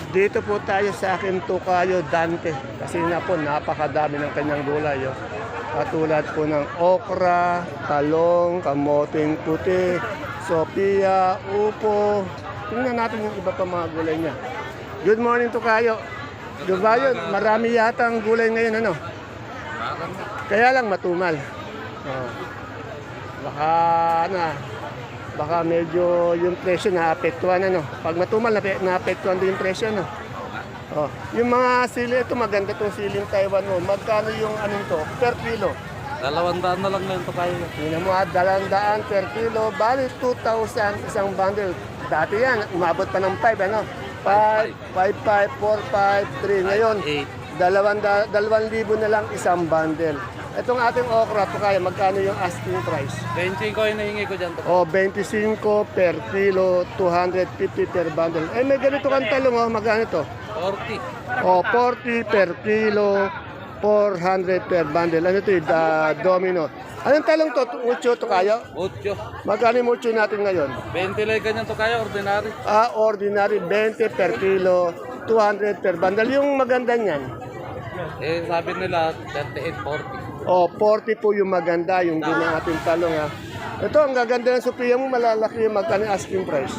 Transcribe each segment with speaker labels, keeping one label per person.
Speaker 1: Dito po tayo sa akin tukayo Dante. Kasi na po, napakadami ng kanyang gulay. Oh. Katulad po ng okra, talong, kamoting puti, Sophia, upo. Tingnan natin yung iba pa mga gulay niya. Good morning tukayo. Diba yun? Marami yata ang gulay ngayon, ano? Kaya lang matumal. Oh. Baka medyo yung presyo naapektuhan, ano? Pag matumal, naapektuhan din yung presyo, ano? Oh. Yung mga sili, ito maganda itong siling Taiwan mo. Magkano yung anong to? Per kilo?
Speaker 2: 200 na lang ngayon to kayo.
Speaker 1: Tingnan mo, 200 per kilo. Bali, 2,000 isang bundle. Dati yan, umabot pa ng 5, ano? 5, 5, 4, 5, 3. Ngayon, 2,000 na lang isang bundle. Itong ating okra, to kaya magkano yung asking price?
Speaker 2: 25 ko yung nahingi ko dyan.
Speaker 1: O, 25 per kilo, 250 per bundle. Eh, may ganito kang talong, oh, magkano to?
Speaker 2: 40.
Speaker 1: O, 40 per kilo, 400 per bundle. Ano ito, domino. Anong talong to? Mucho to kaya?
Speaker 2: 8.
Speaker 1: Magkano yung mucho natin ngayon?
Speaker 2: 20 lang ganyan to kayo, ordinary.
Speaker 1: Ordinary, 20 per kilo, 200 per bundle. Yung maganda niyan?
Speaker 2: Eh, sabi nila, 38, 40.
Speaker 1: O, 40 po yung maganda, yung din ng ating talong, ha. Ito, ang gaganda ng Sophia mo, malalaki yung magkano yung asking price.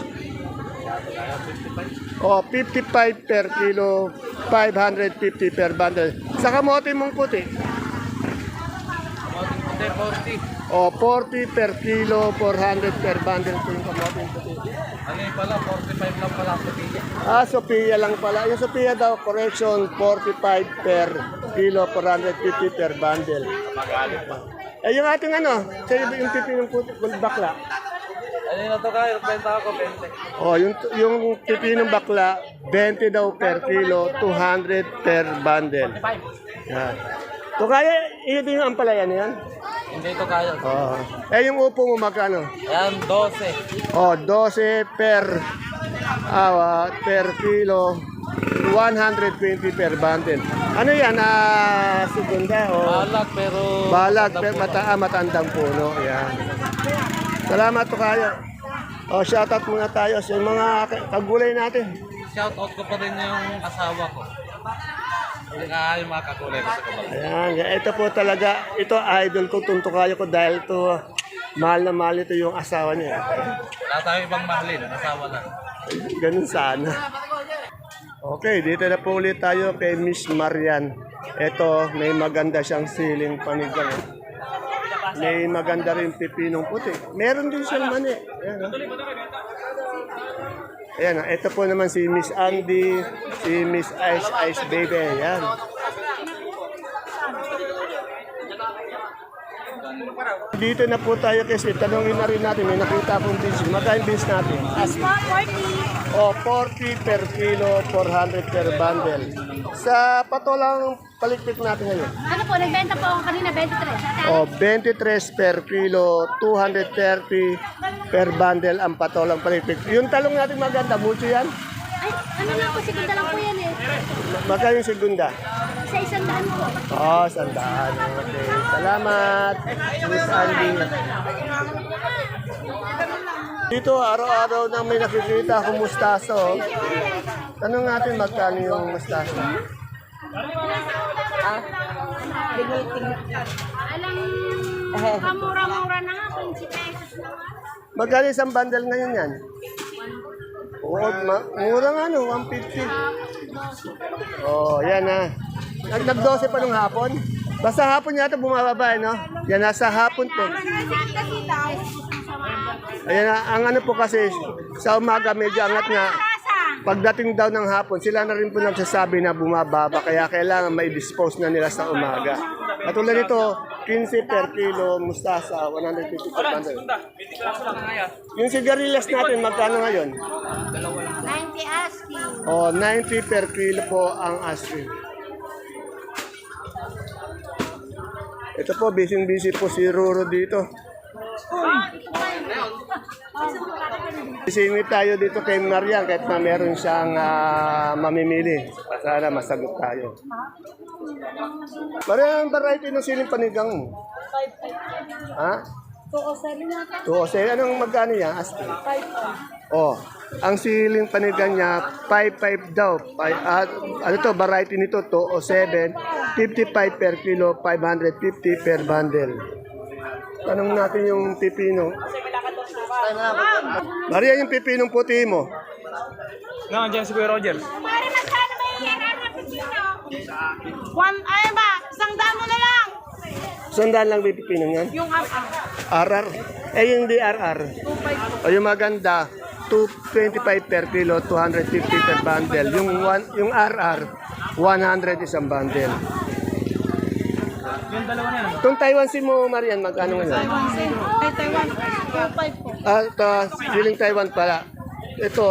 Speaker 1: O, 55 per kilo, 550 per bundle. Sa kamote mong puti?
Speaker 2: Kamoting puti, 40.
Speaker 1: O, 40 per kilo, 400 per bundle po yung kamote mong puti.
Speaker 2: Ano yung pala, 45 lang pala puti.
Speaker 1: Sophia lang pala. Yung Sophia daw, correction, 45 per kilo, 450 per bundle. Eh, yung ating ano, yung pipinong puti, bakla.
Speaker 2: Ano yung to kayo, benta ako, 20.
Speaker 1: Oh, yung pipinong bakla, 20 daw per kilo, 200 per bundle. Yan. To kaya, iyo din yung ampalaya na yan?
Speaker 2: Hindi to kayo.
Speaker 1: Oh. Eh, yung upo mo magkano?
Speaker 2: Yan, 12.
Speaker 1: Oh, 12 per kilo, 120 per bundle. Ano yan? Segunda o?
Speaker 2: Balag, pero...
Speaker 1: Balag, pero matandang puno. Yan. Salamat to kayo. O, shoutout muna tayo sa mga kagulay natin.
Speaker 2: Shout out ko pa rin yung asawa ko. Yung mga kakulay ko sa kabal.
Speaker 1: Ayan, ito po talaga, ito idol ko, tuntukayo ko dahil to mahal na mahal ito yung asawa niya.
Speaker 2: Wala tayo ibang mahalin, asawa lang.
Speaker 1: Ganun sana. Okay, dito na po ulit tayo kay Miss Marian. Ito, may maganda siyang siling panigang. May maganda rin pipinong puti. Meron din siyang mani. Ayan, ayan, ito po naman si Miss Andy, si Miss Ice Baby. Ayan. Dito na po tayo kasi tanongin na rin natin, may nakita akong beans. Magkain beans natin?
Speaker 3: Asma, 40.
Speaker 1: O, 40 per kilo, 400 per bundle. Sa patolang palikpik natin ngayon.
Speaker 3: Ano po, nagbenta po ako kanina, 23.
Speaker 1: O, 23 per kilo, 230 per bundle ang patolang palikpik. Yung talong natin maganda, mucho yan?
Speaker 3: Ay, ano na po, segunda lang po yan eh.
Speaker 1: Magkano yung segunda?
Speaker 3: Sa 100 po.
Speaker 1: Oh, 100. Okay. Salamat, Miss Andy. Dito, araw-araw na may nakikita akong mustaso. Tanong natin magkano yung mustaso.
Speaker 3: Alam, kamura-mura na nga, 20 pesos na nga.
Speaker 1: Magkano isang bundle ngayon yan? Oo, mura nga no, 150. Oh, yan ha. Nag-12 pa nung hapon. Basta hapon yata bumababa, no? Yan, nasa hapon to. Ayan na, ang ano po kasi, sa umaga medyo angat nga. Pagdating daw ng hapon, sila na rin po nagsasabi na bumababa, kaya kailangan mai-dispose na nila sa umaga. At tulad nito, 15 per kilo, mustasa, 150 per bundle. Yung sigarilyas natin, magkano ngayon?
Speaker 3: 90 asking.
Speaker 1: O, 90 per kilo po ang asking. Ito po, busy po si Ruro dito. Singit tayo dito kay Marian kahit na meron siyang mamimili. Sana masagot tayo. Parang variety ng siling panigang mo. Ha? 207. Anong magkano yan? Asking. Oh, Ang siling panigang niya, 5.5 daw. Ano to, variety nito, 207, 55 per kilo, 550 per bundle. Tanong natin yung pipino. Maria, yung pipinong puti mo.
Speaker 2: No, andyan si Kuya Roger.
Speaker 3: Pare, magkano ba yung yaran na pipino? Ay ba, isang daan mo na lang.
Speaker 1: Sandaan lang may pipinong yan?
Speaker 3: Yung
Speaker 1: RR. Eh, yung DRR. O yung maganda, 225 per kilo, 250 per bundle. Yung RR, 100 isang bundle.
Speaker 2: Yung dalawa niya.
Speaker 1: Itong Taiwan si mo, Marian, magkano ngayon?
Speaker 3: Ay, Taiwan. 2.5 po.
Speaker 1: Ito, siling Taiwan pala. Ito,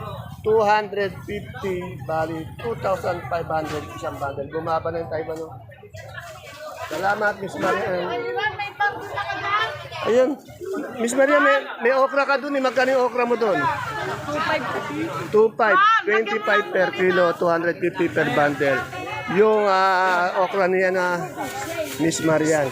Speaker 1: 250, bali, 2,500 isang bundle. Bumaba na yung Taiwan. No? Salamat, Miss Marian.
Speaker 3: May pagod na ka ba?
Speaker 1: Ayun, Miss Maria, may okra ka dun. Magkano yung okra mo dun?
Speaker 3: 2.5.
Speaker 1: 2.5, 25 per kilo, 250 per bundle. Yung okra niya na Miss Marian.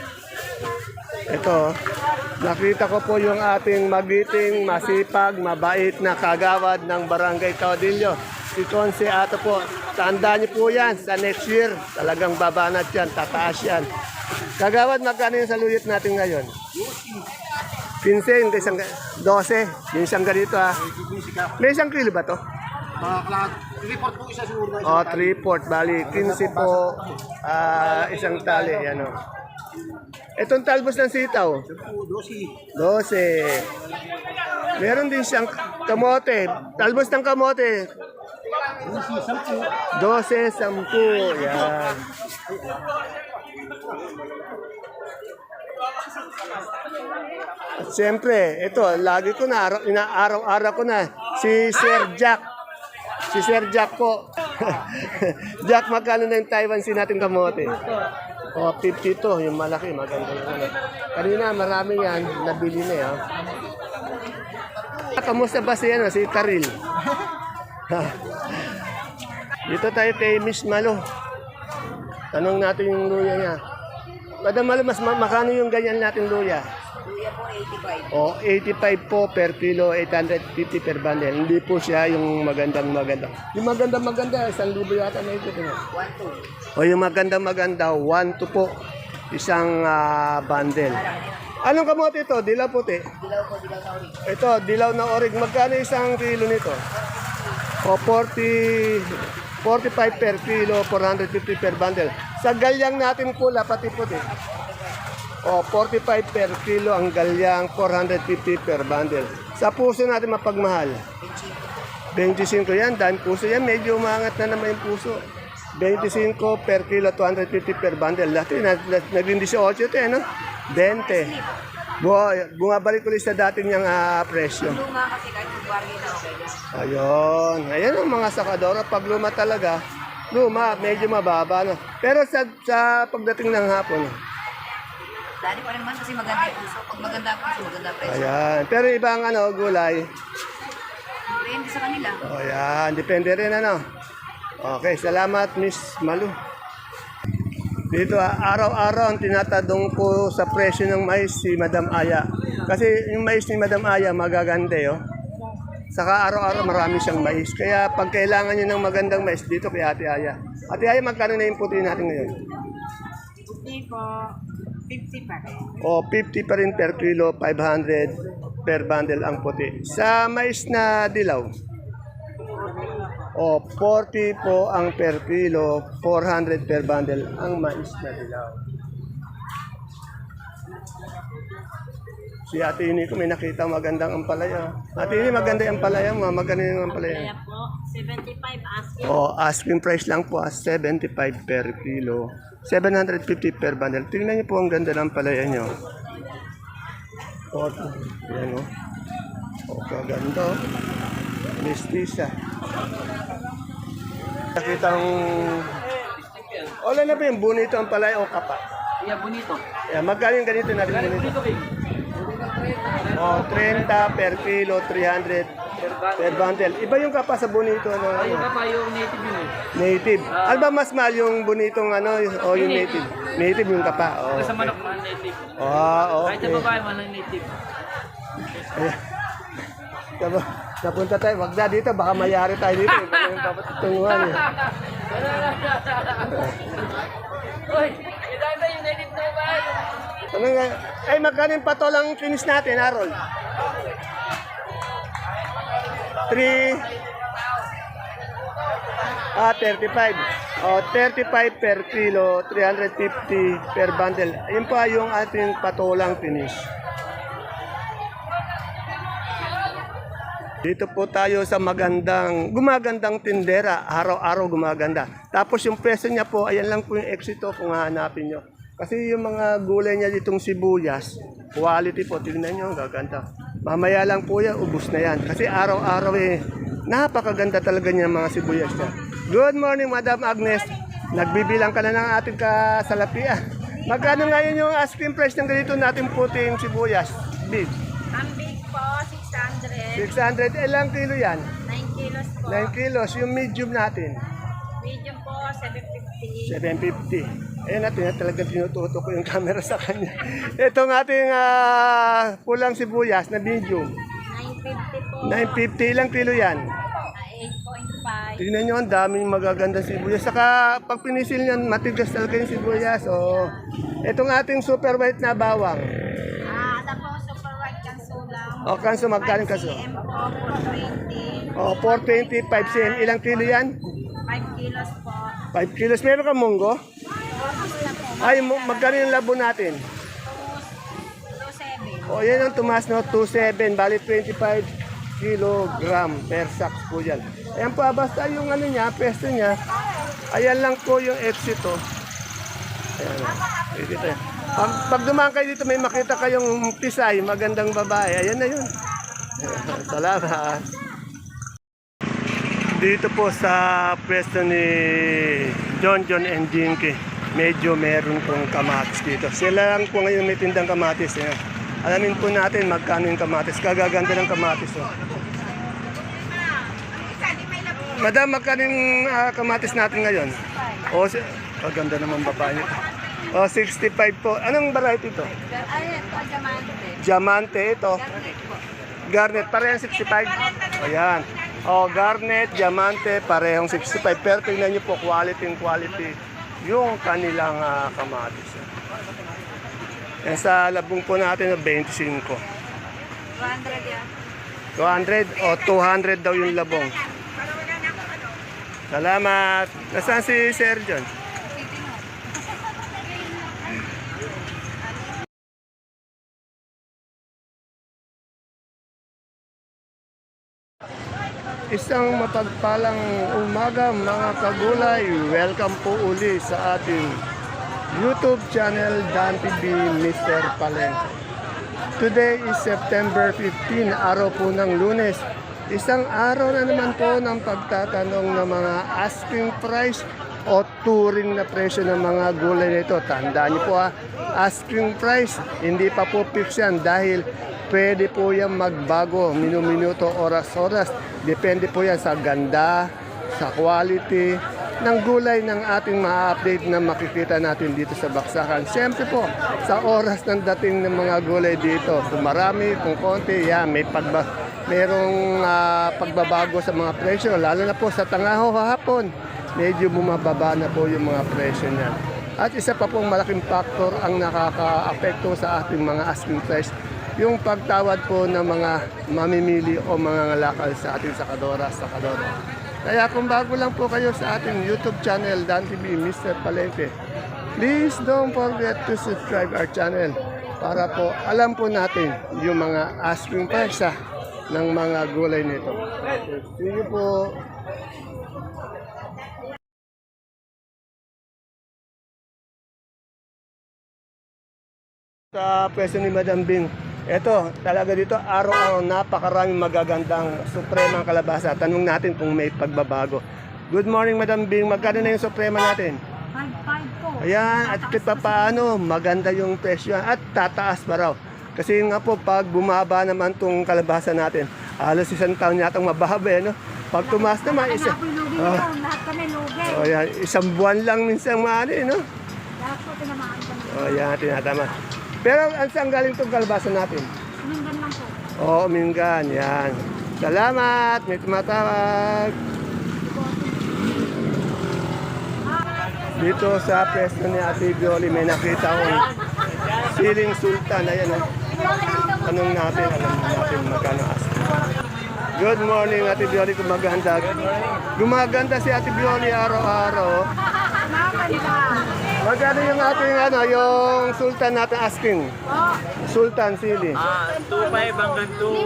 Speaker 1: Ito, nakita ko po yung ating magiting, masipag, mabait na kagawad ng Barangay Caudillo. Si Conce Ato po. Tandaan niyo po yan, sa next year, talagang babanat yan, tataas yan. Kagawad, magkano yung saluyot natin ngayon? 15, isang 12, yung isang ganito ha. May isang kilo ba to?
Speaker 4: Report po isa siguro.
Speaker 1: O, 3/4, bali, 15 po, isang tali, yan o. Itong talbos ng sitaw? 12. Meron din siyang kamote. Talbos ng kamote. 12, 10. Yan. At siyempre, ito, lagi ko na, inaaraw-araw ko na, si Sir Jack. Si Sir Jack po. Jack, magkano na yung Taiwan sin natin kamote? O, 52, yung malaki, maganda yung ano. Kanina, marami yan, nabili na yan. Kamusta ba si Karil? Dito tayo kay Miss Malo. Tanong natin yung luya niya. Madam Malo, mas makano yung ganyan natin luya?
Speaker 5: Luya po 85.
Speaker 1: O, 85 po per kilo, 850 per bundle. Hindi po siya yung magandang maganda. Yung magandang maganda, 1,000 yata na ito.
Speaker 5: 1-2.
Speaker 1: O yung magandang maganda, 1 to po. Isang bundle. Anong kamote ito? Dilaw puti?
Speaker 5: Dilaw po, dilaw na ulit.
Speaker 1: Ito, dilaw na orig. Magkano isang kilo nito? O 45 per kilo, 450 per bundle. Sa galyang natin pula, pati puti. O 45 per kilo ang galyang, 450 per bundle. Sa puso natin mapagmahal. 25 yan, dahil puso yan, medyo umangat na naman yung puso. 25 per kilo, 250 per bundle. Dati, naging 18 ito, no? 20. Bumabalik ulit sa dating niyang presyo.
Speaker 5: Luma kasi kahit mag-bargain na okay na.
Speaker 1: Ayun. Ayan ang mga sakadora. Pag luma talaga, luma, medyo mababa. No? Pero sa pagdating ng hapon,
Speaker 5: Dali pa rin naman kasi maganda yung puso. Pag maganda ang puso, maganda ang presyo.
Speaker 1: ayan. Pero ibang gulay,
Speaker 5: Depende sa kanila.
Speaker 1: ayan, depende rin Okay, salamat Miss Malu. Dito araw-araw ang tinatadong ko sa presyo ng mais si Madam Aya. Kasi yung mais ni Madam Aya magaganda Saka araw-araw marami siyang mais. Kaya pag kailangan niyo ng magandang mais dito kay Ate Aya. Ate Aya, magkano na yung puti natin ngayon?
Speaker 3: Hindi po. 50 pa rin.
Speaker 1: O 50 pa rin per kilo, 500 per bundle ang puti. Sa mais na dilaw, o 40 po ang per kilo, 400 per bundle ang mais na dilaw. Si Ate Ini ko may nakita magandang ampalaya. Ate Ini, maganda yung ampalaya mo. Maganda yung ampalaya.
Speaker 3: Kaya po, 75 asking.
Speaker 1: O, asking price lang po 75 per kilo. 750 per bundle. Tingnan niyo po ang ganda ng palaya niyo. O, yan o. O, kaganda o. Mestiza. Nakitang... Wala na ba yung bonito ang palaya o kapa?
Speaker 2: Yeah, bonito.
Speaker 1: Yeah, magkano yung ganito natin bonito? O, 30 per kilo, 300 per bundle. Iba yung kapa sa bonito.
Speaker 2: Yung kapa, yung native yun
Speaker 1: Native. Ano ba mas mahal yung bonitong o yung native? Native yung kapa. Oh,
Speaker 2: Sa
Speaker 1: okay.
Speaker 2: manok man native.
Speaker 1: Ah,
Speaker 2: Kahit
Speaker 1: okay.
Speaker 2: sa babae man ang native.
Speaker 1: Ayan. Kaba, Napunta tayo, wag na dito, baka mayari tayo dito. Ito yung papatutunguhan eh. Ano nga? Ay, magkano yung patolang finish natin, Harold? 35. O, 35 per kilo, 350 per bundle. Ayun pa yung ating patolang finish. Dito po tayo sa gumagandang tindera. Araw-araw gumaganda. Tapos yung presyo niya po, ayan lang po yung exito kung hahanapin nyo. Kasi yung mga gulay niya ditong sibuyas, quality po, tingnan nyo, ang gaganda. Mamaya lang po yan, ubus na yan. Kasi araw-araw napakaganda talaga niya mga sibuyas niya. Good morning, Madam Agnes. Nagbibilang ka na ng ating kasalapian. Magkano ngayon yung asking price ng ganito natin puting sibuyas? Big.
Speaker 3: Ang big po, 600.
Speaker 1: 600. Ilang kilo yan?
Speaker 3: 9 kilos po.
Speaker 1: 9 kilos. Yung medium natin?
Speaker 3: Medium po, 750.
Speaker 1: 750. Ayun natin, talagang tinututo ko yung camera sa kanya. Itong ating pulang sibuyas na medium.
Speaker 3: 950 po.
Speaker 1: 950. Ilang kilo yan?
Speaker 3: 8.5.
Speaker 1: Tingnan nyo, ang daming magaganda sibuyas. Saka pag pinisil nyo, matigas talaga yung sibuyas. O, itong ating super white na bawang.
Speaker 3: Ito po, super white kanso lang.
Speaker 1: O, kanso, magkano kanso?
Speaker 3: 5 cm po, 420.
Speaker 1: O, 420, 5 cm. Ilang kilo yan?
Speaker 3: 5 kilos po.
Speaker 1: 5 kilos. Meron ka munggo?
Speaker 3: Focus na po.
Speaker 1: Ay, magkano yung labo natin?
Speaker 3: 2.7.
Speaker 1: O, yan ang tumas, no? 2.7. Bali, 25 kilogram per sack po yan. Ayan po, basta yung ano niya, pesto niya. Ayan lang po yung exit, oh. Ayan, oh. Dito. Pag dumaan kayo dito, may makita kayong pisay, magandang babae. Ayan na yun. Salamat. Dito po sa pwesto ni John and Jinky, medyo meron pong kamatis dito. Sila lang po ngayon may tindang kamatis. Eh. Alamin po natin magkano yung kamatis. Kagaganda ng kamatis. Oh. Madam, magkano yung kamatis natin ngayon? O, kaganda naman babae nito. O, 65 po. Anong variety ito?
Speaker 3: Ayan po, diamante.
Speaker 1: Diamante ito.
Speaker 3: Garnet po.
Speaker 1: Garnet, parehong 65. Ayan. O, garnet, diamante, parehong 65. Pero tingnan nyo po, quality yung kanilang kamatis. Yan sa labong po natin, 25.
Speaker 3: 200 yan.
Speaker 1: 200 o 200 daw yung labong. Salamat. Nasaan si Sir John? Isang mapagpalang umaga mga kagulay. Welcome po uli sa ating YouTube channel Dan TV Mr. Palengke. Today is September 15, araw po ng Lunes. Isang araw na naman po ng pagtatanong ng mga asking price o touring na presyo ng mga gulay nito. Tandaan niyo po asking price, hindi pa po fix yan dahil pwede po yan magbago minuto, oras-oras. Depende po yan sa ganda, sa quality ng gulay ng ating ma-update na makikita natin dito sa baksakan. Siyempre po, sa oras ng dating ng mga gulay dito, kung marami, kung konti, yan, merong pagbabago sa mga presyo, lalo na po sa tangaho hapon, medyo bumababa na po yung mga presyo niya. At isa pa pong malaking factor ang nakaka-apekto sa ating mga asking price, yung pagtawad po ng mga mamimili o mga ngalakal sa ating sakadora. Kaya kung bago lang po kayo sa ating YouTube channel, Dan TV Mr. Palengke, please don't forget to subscribe our channel para po alam po natin yung mga asking price ng mga gulay nito. See you po. Sa pwesto ni Madam Bing, eto, talaga dito, araw-araw napakaraming magagandang supremang kalabasa. Tanong natin kung may pagbabago. Good morning, Madam Bing. Magkano na yung suprema natin?
Speaker 3: 5.5 po.
Speaker 1: Ayan, at kahit pa paano, maganda yung presyo at tataas pa raw. Kasi nga po, pag bumaba naman tong kalabasa natin, halos isang taon yatang mababa, no? Pag tumaas naman,
Speaker 3: Lahat kami lugi.
Speaker 1: yan, isang buwan lang minsan maari, no?
Speaker 3: Lahat po tinamaan kami.
Speaker 1: Yan, tinatama. Pero saan galing itong kalabasa natin?
Speaker 3: Mingan lang po.
Speaker 1: Oo, Mingan, yan. Salamat, may tumatawag. Dito sa pwesto ni Ate Bioli, may nakita akong siling sultan. Ayan, oh. Alam natin magkano asking. Good morning, Ate Bioli, gumaganda. Gumaganda si Ate Bioli araw-araw. Magkano yung ating yung sultan natin asking? Sultan sili.
Speaker 6: 2.5 hanggang 2.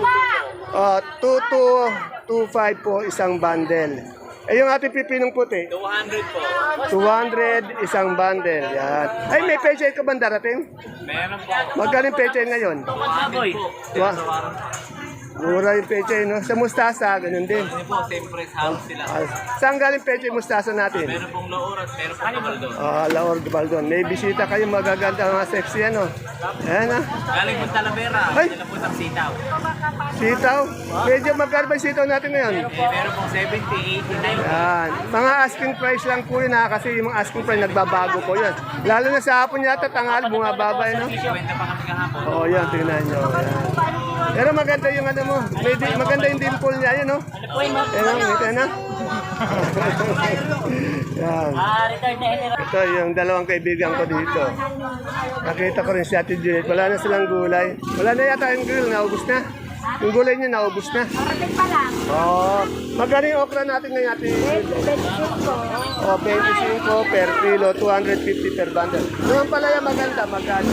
Speaker 1: 2.25 po isang bundle. Eh yung ating pipinong puti?
Speaker 6: 200 po.
Speaker 1: 200 isang bundle. Yan. Ay, may pechay ka ba darating?
Speaker 6: Meron po.
Speaker 1: Magkano yung pechay ngayon?
Speaker 6: Baboy.
Speaker 1: Wow. Mura yung pechay, no? Sa mustasa, ganun din.
Speaker 6: Hindi po, same price halos sila.
Speaker 1: Saan galing pechay mustasa natin?
Speaker 6: Meron pong Laor at meron pong Gabaldon.
Speaker 1: Laor Gabaldon. May bisita kayo, magaganda, mga sexy, ano? Ayan, ha?
Speaker 6: Galing po Talavera.
Speaker 1: Ay!
Speaker 6: Sila po sa sitaw.
Speaker 1: Sitaw? Medyo magkano ba yung sitaw natin ngayon?
Speaker 6: Meron pong 70, 80, 90.
Speaker 1: Yan. Mga asking price lang po yun, ha? Kasi yung mga asking price, nagbabago po yun. Lalo na sa hapon yata, tanghali, bumababa, no?
Speaker 6: Kwenta pa kami kahapon.
Speaker 1: Oo, yan, tingnan nyo. Yan. Pero maganda yung ano mo. Maganda yung dimple niya, yun, no? Yan, ito na. Yan. Ito yung dalawang kaibigan ko dito. Nakita ko rin si Ate Juliet. Wala na silang gulay. Wala na yata yung grill, naubos na. Yung gulay niya, naubos na.
Speaker 3: Parating pa lang.
Speaker 1: Oo. Magkano yung okra natin ngayon, Ate? 25 per kilo, 250 per bundle. Yung palaya maganda, magkano?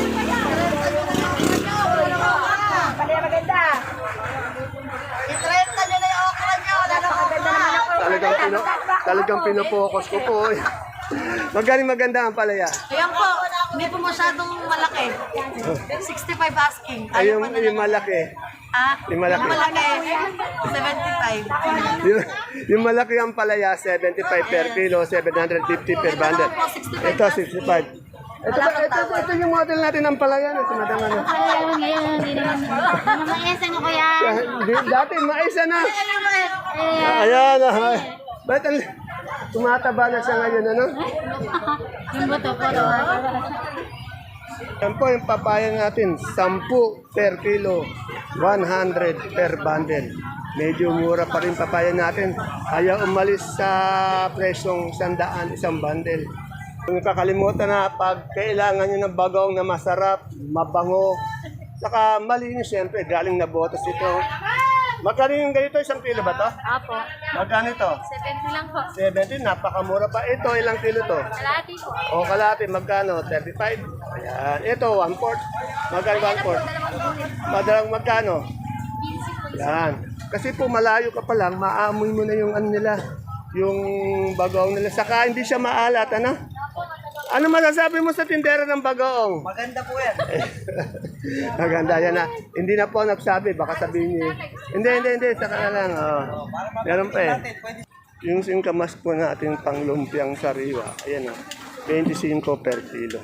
Speaker 3: Palaya maganda. I-trend na nila yung okra niyo. Wala na maganda naman ako.
Speaker 1: Talagang pinopokus ko po. Maganda ang palaya.
Speaker 5: Ayan po, hindi po masyadong malaki. 65 asking.
Speaker 1: Ay, yung malaki. Yung malaki.
Speaker 5: Yung malaki, 75.
Speaker 1: Yung malaki ang palaya, 75 per kilo, 750 per bundle. Ito, 65. Ito yung model natin ng palaya. Ito, madam, ano.
Speaker 3: Ayaw ngayon, hindi naman. Mamayasan ko kuya.
Speaker 1: Dati, maisa na. Ayan, ba't tumataba na siya ngayon, ano?
Speaker 3: Yung buto po.
Speaker 1: Yan po yung papaya natin, 10 per kilo, 100 per bundle. Medyo mura pa rin papaya natin. Ayaw umalis sa presyong 100 isang bundle. Kung kakalimutan na pag kailangan nyo ng bagong na masarap, mabango, saka malinis siyempre, galing na botas ito. Magkano yung ganito? Isang kilo ba to?
Speaker 3: Apo.
Speaker 1: Magkano ito?
Speaker 3: 70 lang po.
Speaker 1: 70, napakamura pa. Ito, ilang kilo to?
Speaker 3: Kalahati po.
Speaker 1: O kalahati, magkano? 35? Ayan. Ito, 1/4. Magkano 1/4? Madalang magkano? Yan. Kasi po malayo ka pa lang, maamoy mo na yung ano nila, yung bagoong nila. Saka hindi siya maalat, ano? Ano masasabi mo sa tindera ng bagoong?
Speaker 6: Maganda po yan.
Speaker 1: Maganda yan na. Hindi na po nagsabi, baka sabihin niyo. Hindi. Saka na lang. Oh. Meron pa eh. Yung singkamas po natin panglumpiang sariwa. Ayan o. 25 per kilo.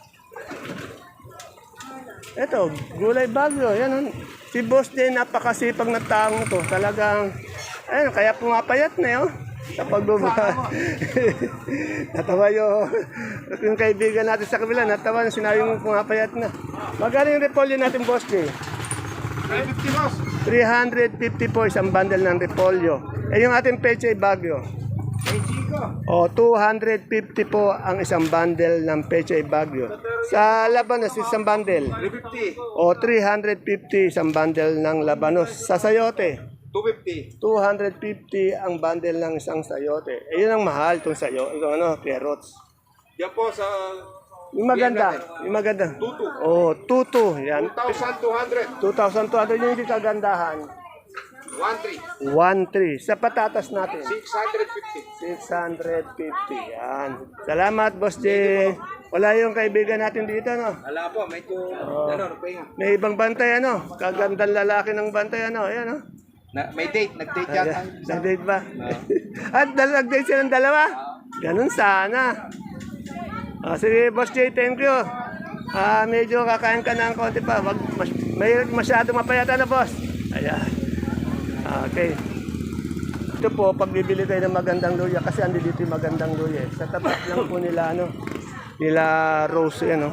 Speaker 1: Ito, gulay bagyo. Yan o. Si Boss din, napakasipag na taong to. Talagang, ayun, kaya pumapayat na yun. Sa pagbaba. Natawa yung kaibigan natin sa kabila. Natawa yung sinabi mong pumapayat na. Magkano yung repolyo natin, Boss D?
Speaker 4: 350 boss.
Speaker 1: 350 po isang bundle ng repolyo. Eh yung ating pechay bagyo. O, 250 po ang isang bundle ng pechay bagyo. Sa labanos, isang bundle.
Speaker 4: 350.
Speaker 1: O, 350 isang bundle ng labanos. Sa sayote,
Speaker 4: 250.
Speaker 1: 250 ang bundle ng isang sayote. Eh, yun ang mahal itong sayo. Itong ano, carrots.
Speaker 4: Yan po sa
Speaker 1: Yung maganda. Yung maganda.
Speaker 4: Tutu.
Speaker 1: O, tutu. Yan.
Speaker 4: 2,200.
Speaker 1: 2,200 yung hindi kagandahan.
Speaker 4: 1,300.
Speaker 1: 1,300. Sa patatas natin.
Speaker 4: 650.
Speaker 1: 650. Yan. Salamat, Boss J. Wala yung kaibigan natin dito, no?
Speaker 4: Ala po, medyo pahinga.
Speaker 1: May ibang bantay, ano? Kagandang lalaki ng bantay, ano? Ayan, no?
Speaker 4: May date, nag-date yata.
Speaker 1: Nag-date ba? At nag-date silang dalawa? Ganun sana. Sige, Boss J, thank you. Medyo kakain ka ng konti pa. Wag may masyado mapayata na, boss. Ayan. Okay. Ito po, pagbibili kayo ng magandang luya, kasi andi dito yung magandang luya. Sa tapat lang po nila, ano, nila Rose, ano.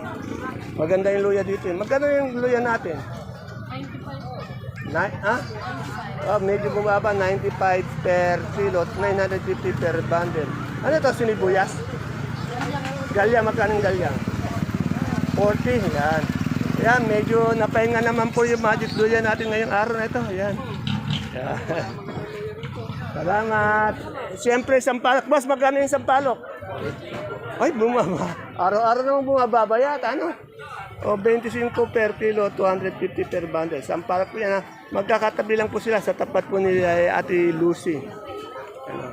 Speaker 1: Maganda yung luya dito. Magkano yung luya natin? 95. Medyo bumaba, 95 per kilo, 950 per bundle. Ano to, sinibuyas? Galyang, magkano yung galyang? 40, yan. Yan, medyo napahinga naman po yung magic durian natin ngayong araw na ito. Yan. Yan. Salamat. Siyempre, sampalok. Boss, magkano yung sampalok? Ay, bumaba. Araw-araw naman bumababa yata, ano? O, 25 per kilo, 250 per bundle. Sampalok po yan, ha? Magkakatabi lang po sila sa tapat po ni Ate Lucy. Ano?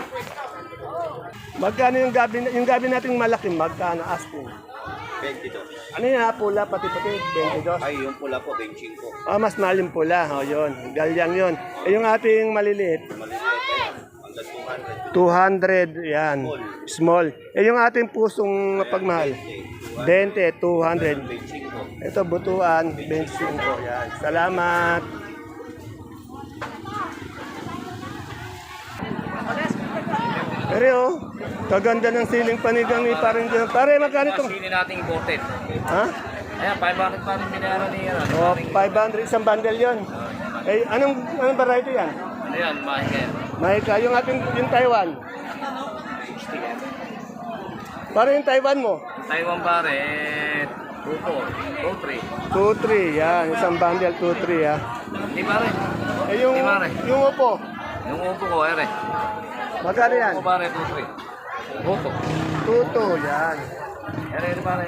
Speaker 1: Magkano yung gabi nating malaki? Magkano asking?
Speaker 4: 22.
Speaker 1: Ano yan, pula, pati-pati, 22.
Speaker 4: Ay, yung pula po, 25.
Speaker 1: Ah, mas malim pula. O, yun. Galyang yun. Eh, yung ating maliliit,
Speaker 4: Maliliit, hanggang 200.
Speaker 1: 200. Yan. Small. Eh, yung ating pusong pagmahal, 20, 200.
Speaker 4: 25.
Speaker 1: Ito, butuan, 25. Yan. Salamat. Pero, oh, kaganda ng siling panigang ni parang dyan. Pare, magkano itong?
Speaker 2: Sili nating imported.
Speaker 1: Ha?
Speaker 2: Ayan, 500 pa rin binayaran ni ano.
Speaker 1: O, 500, isang bundle yon. Eh, anong variety yan?
Speaker 2: Ano yan, mahigay.
Speaker 1: Mahika, yung ating, yung Taiwan. Pare, yung Taiwan mo?
Speaker 2: Taiwan pare, 2-4, 2-3.
Speaker 1: 2-3, yan. Isang bundle, 2-3, ha.
Speaker 2: Di pare.
Speaker 1: Eh, yung,
Speaker 2: Di pare.
Speaker 1: yung upo,
Speaker 2: Yung upo ko, ere.
Speaker 1: magkano yan?
Speaker 2: Upo pare, 2-3. Upo.
Speaker 1: 2-2, yan.
Speaker 2: Ere, di pare.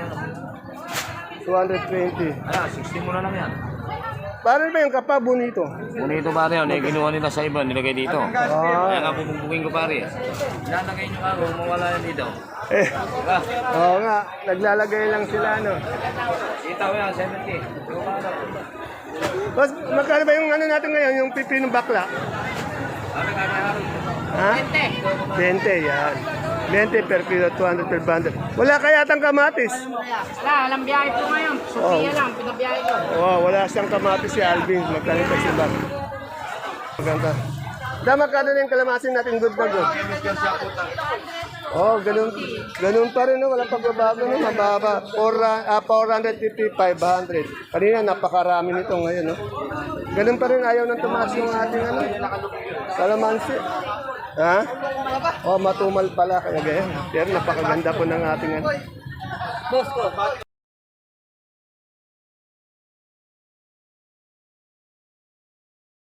Speaker 1: 220.
Speaker 2: Ayan, 60 mo na lang yan.
Speaker 1: Pare ba yung kapa bonito?
Speaker 2: Bonito pare yun, kinuha nila sa iba, nilagay dito. Kaya nga bubugin ko pare. Ilalagay nyo ako, mawala yan dito.
Speaker 1: Eh,
Speaker 2: Diba?
Speaker 1: oo nga, naglalagay lang sila, no?
Speaker 2: Itaw yan, 70. Yung ano?
Speaker 1: Boss, magkano ba yung ano natin ngayon, yung pipinong bakla?
Speaker 2: Pare, kaya
Speaker 1: Ha? 20, yan. 20 per kilo, 200 per bundle. Wala kaya tang kamatis?
Speaker 3: Wala, alam biyahe po ngayon. Sophia lang, pinabiyahe ko.
Speaker 1: Oh, wala siyang kamatis si Alvin. Magkano pa si Bag? Maganda. Magkano na yung kalamasin natin good na good? Oh, ganun pa rin, no? Walang pagbabago, no? Mababa. 450, 500. Kanina, napakarami nito ngayon, no? Ganun pa rin, ayaw nang tumaas yung ating, ano? Kalamansi. Ha? Oh, matumal pala, kaya ganyan. Pero napakaganda po ng ating, ano?